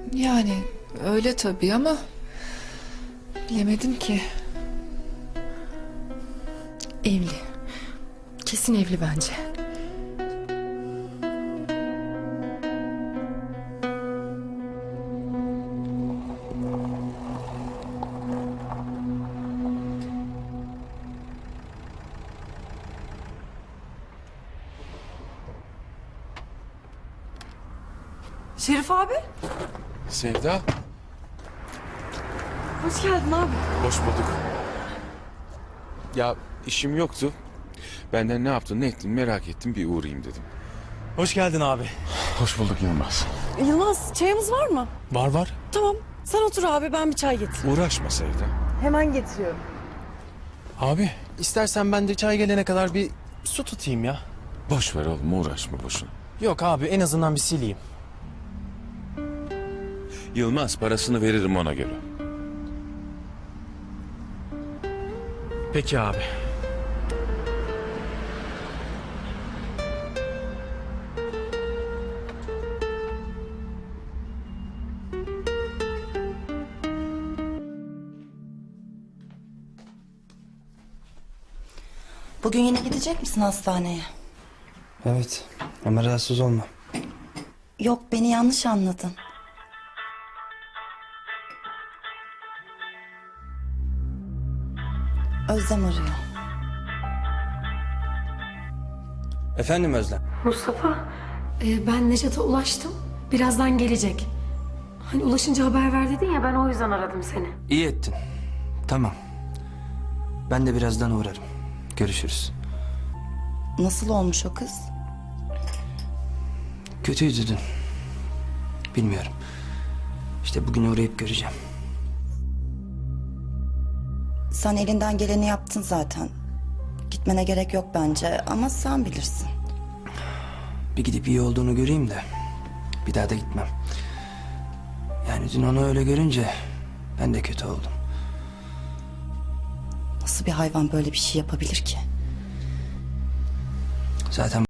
Yani öyle tabii ama bilemedim ki. Evli. Kesin evli bence. Şerif abi, Sevda, hoş geldin abi. hoş bulduk. Ya işim yoktu. Benden ne yaptın, ne ettin merak ettim, bir uğrayayım dedim. Hoş geldin abi. Hoş bulduk Yılmaz. Yılmaz, çayımız var mı? Var. Tamam, sen otur abi, ben bir çay getireyim. Uğraşma Sevda. Hemen getiriyorum. Abi istersen ben de çay gelene kadar bir su tutayım ya. Boş ver oğlum, uğraşma boşuna. Yok abi, en azından bir sileyim. Yılmaz, parasını veririm ona göre. Peki abi. Bugün yine gidecek misin hastaneye? Evet ama rahatsız olma. Yok, beni yanlış anladın. Özlem arıyor. Efendim Özlem? Mustafa, ben Necat'a ulaştım. Birazdan gelecek. Hani ulaşınca haber ver dedin ya, ben o yüzden aradım seni. İyi ettin. Tamam. Ben de birazdan uğrarım. Görüşürüz. Nasıl olmuş o kız? Kötüydü dün. Bilmiyorum. İşte bugün uğrayıp göreceğim. Sen elinden geleni yaptın zaten. Gitmene gerek yok bence ama sen bilirsin. Bir gidip iyi olduğunu göreyim de bir daha da gitmem. Yani dün onu öyle görünce ben de kötü oldum. Nasıl bir hayvan böyle bir şey yapabilir ki? Zaten